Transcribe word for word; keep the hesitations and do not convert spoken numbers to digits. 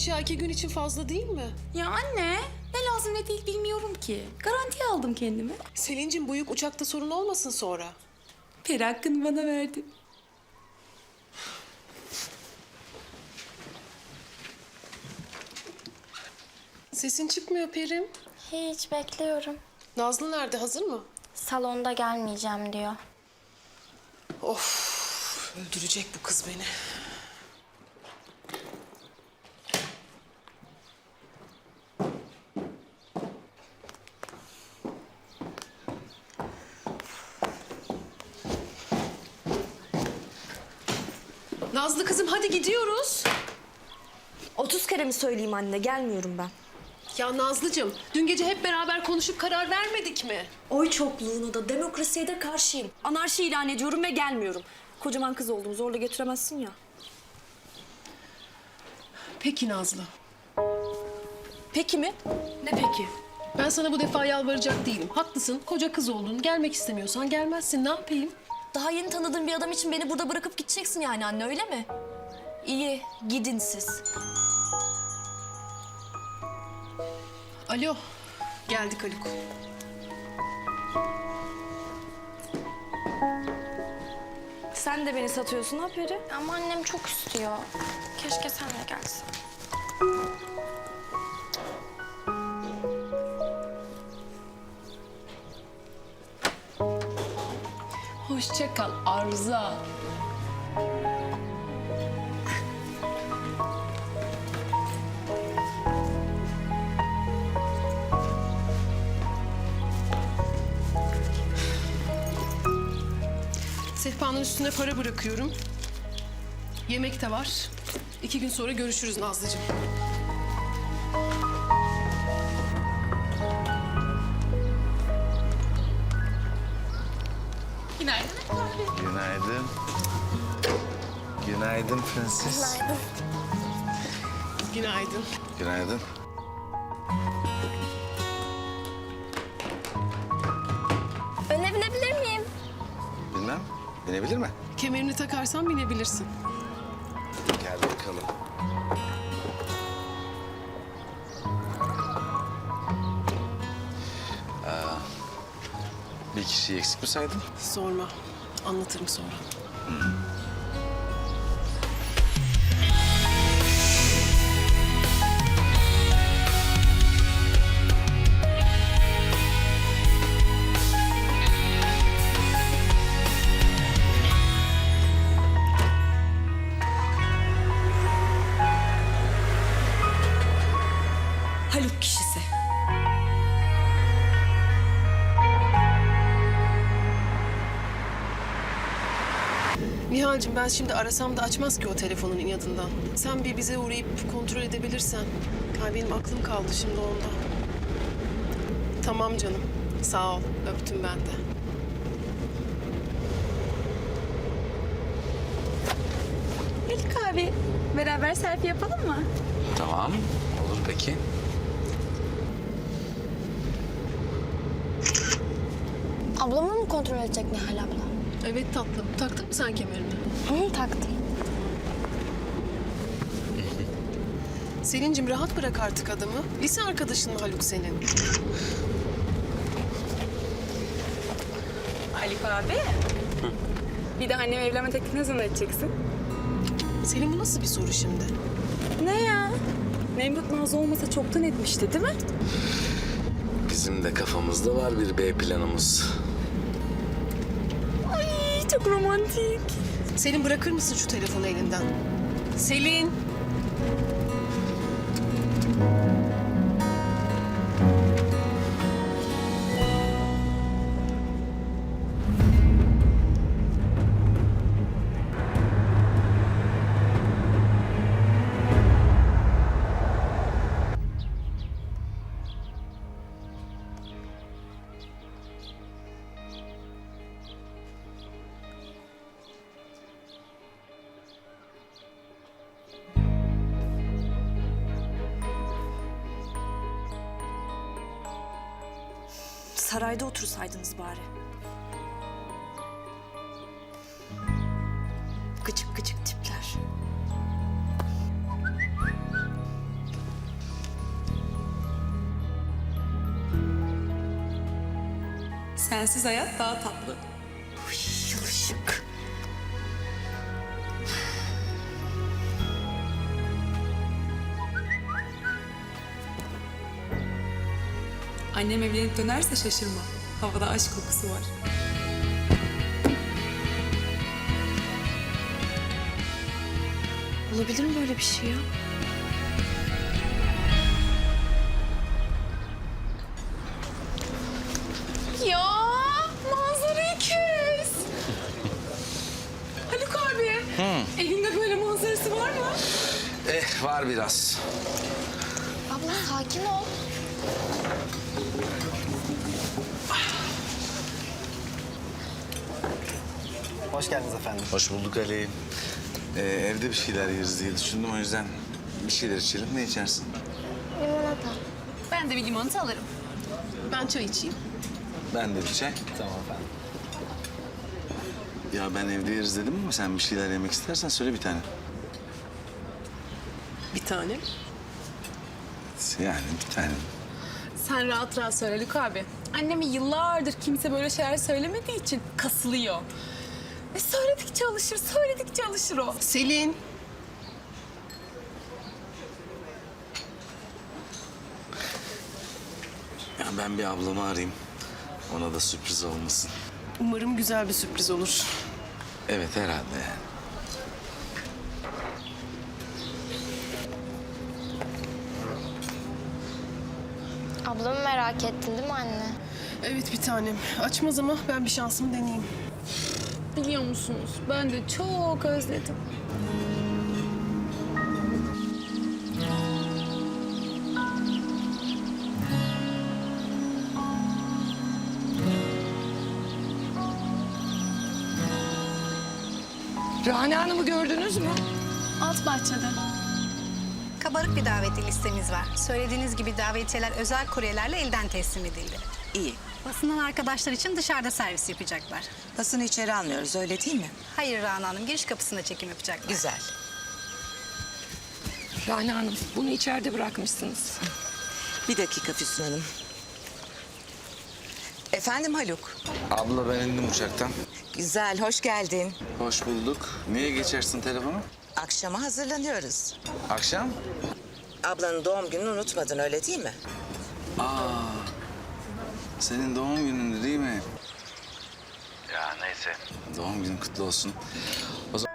eşya iki gün için fazla değil mi? Ya anne, ne lazım ne değil bilmiyorum ki. Garantiye aldım kendimi. Selin'cim bu yük uçakta sorun olmasın sonra. Peri hakkını bana verdi. Sesin çıkmıyor Perim. Hiç bekliyorum. Nazlı nerede, hazır mı? Salonda gelmeyeceğim diyor. Of, öldürecek bu kız beni. Nazlı kızım hadi gidiyoruz. Otuz kere mi söyleyeyim anne? Gelmiyorum ben. Ya Nazlıcığım, dün gece hep beraber konuşup karar vermedik mi? Oy çokluğuna da demokrasiye de karşıyım. Anarşi ilan ediyorum ve gelmiyorum. Kocaman kız oldum. Zorla getiremezsin ya. Peki Nazlı. Peki mi? Ne peki? Ben sana bu defa yalvaracak değilim. Haklısın, koca kız oldun. Gelmek istemiyorsan gelmezsin. Ne yapayım? Daha yeni tanıdığım bir adam için beni burada bırakıp gideceksin yani anne, öyle mi? İyi, gidin siz. Alo, geldik Haluk. Sen de beni satıyorsun ha Peri? Ama annem çok istiyor. Keşke sen de gelsen. Hoşça kal Arza. Sehpanın üstüne para bırakıyorum. Yemek de var. İki gün sonra görüşürüz Nazlıcığım. Günaydın abi. Günaydın. Günaydın prenses. Günaydın. Günaydın. Öne binebilir miyim? Bilmem. Binebilir mi? Kemerini takarsan binebilirsin. Gel bakalım. Aa, bir kişiyi eksik mi saydın? Sorma. Anlatırım sonra. Haluk kişisi. Nihal'cim ben şimdi arasam da açmaz ki o telefonun inadından. Sen bir bize uğrayıp kontrol edebilirsen. Ay benim aklım kaldı şimdi onda. Tamam canım. Sağ ol. Öptüm ben de. Haluk abi, beraber selfie yapalım mı? Tamam. Olur peki. Ablamı mı kontrol edecek Nihal abla? Evet tatlım. Taktın mı sen kemerini? Hı, taktım. Selin'cim rahat bırak artık adamı. Lise arkadaşın mı Haluk senin? Haluk abi. Bir de annem evlenme teklifini ne zaman edeceksin? Selin bu nasıl bir soru şimdi? Ne ya? Memduh Nazlı olmasa çoktan etmişti değil mi? Bizim de kafamızda var bir B planımız. Ay çok romantik. Selin bırakır mısın şu telefonu elinden? Selin! Sarayda otursaydınız bari. Gıcık gıcık tipler. Sensiz hayat daha tatlı. Yılışık. Annem evlenip dönerse şaşırma. Havada aşk kokusu var. Olabilir mi böyle bir şey ya? Ya manzarayı kes. Haluk abi. Evinde böyle manzarası var mı? Eh var biraz. Abla sakin ol. Hoş geldiniz efendim. Hoş bulduk Ali. Ee, evde bir şeyler yeriz diye düşündüm, o yüzden bir şeyler içelim. Ne içersin? Limonata. Ben de bir limonata alırım. Ben çay içeyim. Ben de bir çay. Tamam efendim. Ya ben evde yeriz dedim ama sen bir şeyler yemek istersen söyle bir tane. Bir tane. Yani bir tane. Sen rahat rahat söyle Haluk abi. Anneme yıllardır kimse böyle şeyler söylemediği için kasılıyor. E söyledikçe alışır, söyledikçe alışır o. Selin. Ya ben bir ablamı arayayım. Ona da sürpriz olmasın. Umarım güzel bir sürpriz olur. Evet herhalde yani. Ablamı merak ettin değil mi anne? Evet bir tanem. Açmaz ama ben bir şansımı deneyeyim. Biliyor musunuz? Ben de çok özledim. Rana Hanım'ı gördünüz mü? Alt bahçede. Kabarık bir davetli listemiz var. Söylediğiniz gibi davetiyeler özel kuryelerle elden teslim edildi. İyi. Basından arkadaşlar için dışarıda servis yapacaklar. Basını içeri almıyoruz, öyle değil mi? Hayır Rana Hanım, giriş kapısında çekim yapacaklar. Güzel. Rana Hanım, bunu içeride bırakmışsınız. Bir dakika Füsun Hanım. Efendim Haluk? Abla ben indim uçaktan. Güzel, hoş geldin. Hoş bulduk. Niye geçersin telefonu? Akşama hazırlanıyoruz. Akşam? Ablanın doğum gününü unutmadın, öyle değil mi? Aa, senin doğum günün değil mi? Ya neyse. Doğum günün kutlu olsun. O zaman...